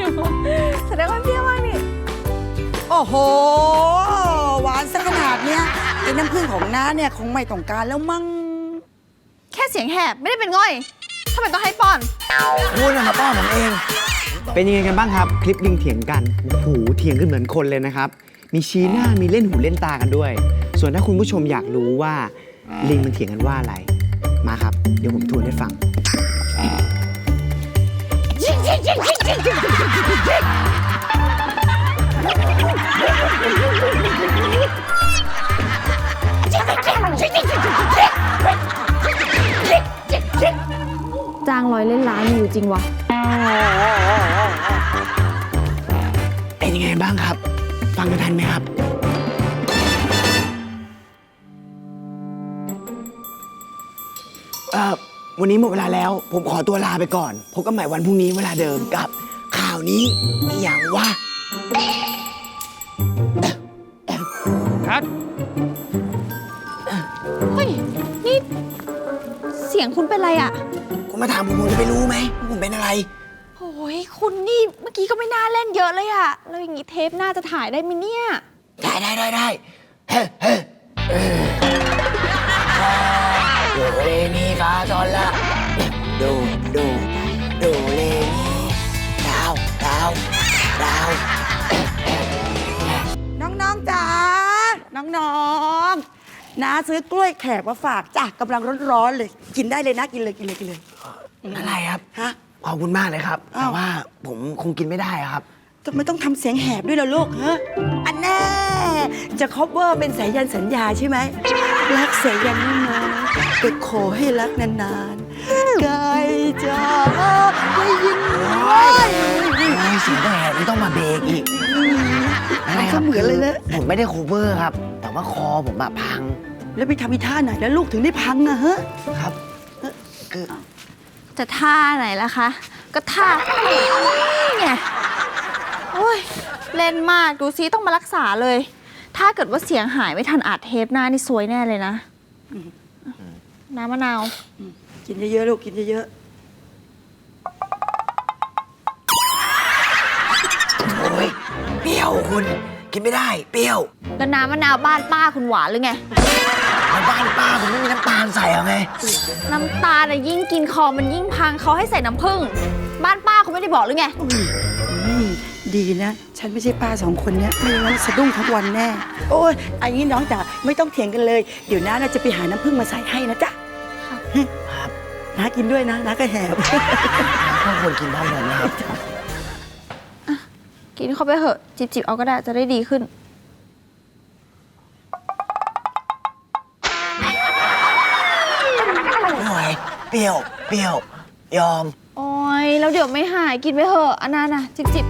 แสดงว่าเปรี้ยวมากนี่โอ้โหหวานซะขนาดเนี้ยไอ้น้ำผึ้งของน้าเนี่ยคงไม่ต้องการแล้วมั้งแค่เสียงแหบไม่ได้เป็นง่อยทำไมต้องให้ป้อนคุณมาป้อนผมเองเป็นยังไงกันบ้างครับคลิปลิงเถียงกันโอ้โหเถียงกันเหมือนคนเลยนะครับมีชี้หน้ามีเล่นหูเล่นตากันด้วย ส่วนถ้าคุณผู้ชมอยากรู้ว่าลิงมันเถียงกันว่าอะไรมาครับเดี๋ยวผมทวนให้ฟังจ้าง100 เล่นล้านอยู่จริงวะเป็นยังไงบ้างครับฟังกันทันไหมครับวันนี้หมดเวลาแล้วผมขอตัวลาไปก่อนพบกันใหม่วันพรุ่งนี้เวลาเดิมกับข่าวนี้อย่างว่าครับ เฮ้ยนี่เสียงคุณเป็นไรอะคุณมาถามผมจะไปรู้ไหมผมเป็นอะไรโอ้ยคุณนี่เมื่อกี้ก็ไม่น่าเล่นเยอะเลยอะแล้วอย่างงี้เทปหน้าจะถ่ายได้ไหมเนี่ยได้เฮ้โดเรมีฟาซอลละโดเรมีดาวน้องๆจ๋าน้องๆน้าซื้อกล้วยแขกมาฝากจ้ะกำลังร้อนๆเลยกินได้เลยนะกินเลยอะไรครับฮะขอบคุณมากเลยครับแต่ว่าผมคงกินไม่ได้ครับทำไมต้องทำเสียงแหบด้วยล่ะลูกฮะอันแน่จะคบเวอร์เป็นสายยันสัญญาใช่ไหมรักสายยันไม่นานแต่ขอให้รักนานๆไก่จ๋าได้ยินไหมเสียงแหบไม่ต้องมาเบรกอีกอะไรครับเหมือนเลยนะผมไม่ได้โคเวอร์ครับแต่ว่าคอผมแบบพังแล้วไปทำอีท่าไหนแล้วลูกถึงได้พังอะฮะครับคือจะท่าไหนล่ะคะก็ท่านี่ไงโอ้ยเล่นมากดูซิต้องมารักษาเลยถ้าเกิดว่าเสียงหายไม่ทันอัดเทปหน้านี่ซวยแน่เลยนะน้ำมะนาวกินเยอะๆลูกกินเยอะๆโอ้ยเปรี้ยวคุณกินไม่ได้เปรี้ยวแล้วน้ำมะนาวบ้านป้าคุณหวานหรือไงบ้านป้าผมไม่มีน้ำตาลใส่เอาไงน้ำตาลน่ะยิ่งกินคอมันยิ่งพังเขาให้ใส่น้ำผึ้งบ้านป้าคุณไม่ได้บอกหรือไงดีนะฉันไม่ใช่ป้า2 คนเนี้ยไม่งั้นสะดุ้งทั้งวันแน่โอ้ยอันนี้น้องจ๋าไม่ต้องเถียงกันเลยเดี๋ยวน้าจะไปหาน้ำผึ้งมาใส่ให้นะจ๊ะครับน้ากินด้วยนะน้าก็แหบทุกคนกินพร้อมกันนะครับกินเข้าไปเถอะจิบเอาก็ได้จะได้ดีขึ้นไม่ไหวเปรี้ยวยอมโอ้ยแล้วเดี๋ยวไม่หายกินไปเถอะอันนั้นน่ะจิบ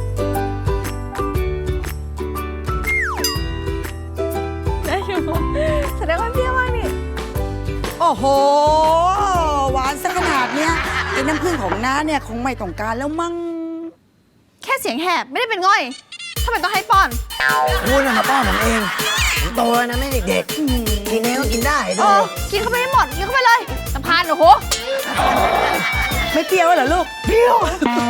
ได้อยู่แสดงว่าเปรี้ยวมากนี่โอ้โหหวานซะขนาดเนี้ยไอ้น้ำผึ้งของน้าเนี่ยคงไม่ต้องการแล้วมั้งแค่เสียงแหบไม่ได้เป็นง่อยทำไมต้องให้ป้อนคุณมาป้อนผมเองผมโตแล้วนะไม่เด็กๆกินเองก็กินได้ดูกินเข้าไปให้หมดกินเข้าไปเลยสำคัญโอ้โหไม่เปรี้ยวเหรอลูกเปรี้ยว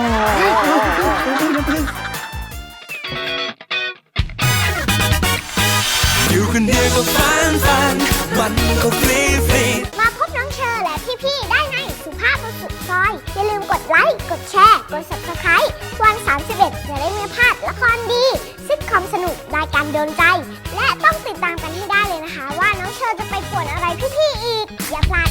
อยู่คนเดียวก็ฟันมันก็ฟรีมาพบน้องเชอและพี่ๆได้ในสุภาพบุรุษซอยอย่าลืมกดไลค์กดแชร์กด Subscribe วัน31จะได้ไม่พลาดละครดีซิทคอมสนุกรายการโดนใจและต้องติดตามกันให้ได้เลยนะคะว่าน้องเชอจะไปป่วนอะไรพี่ๆอีกอย่าพลาด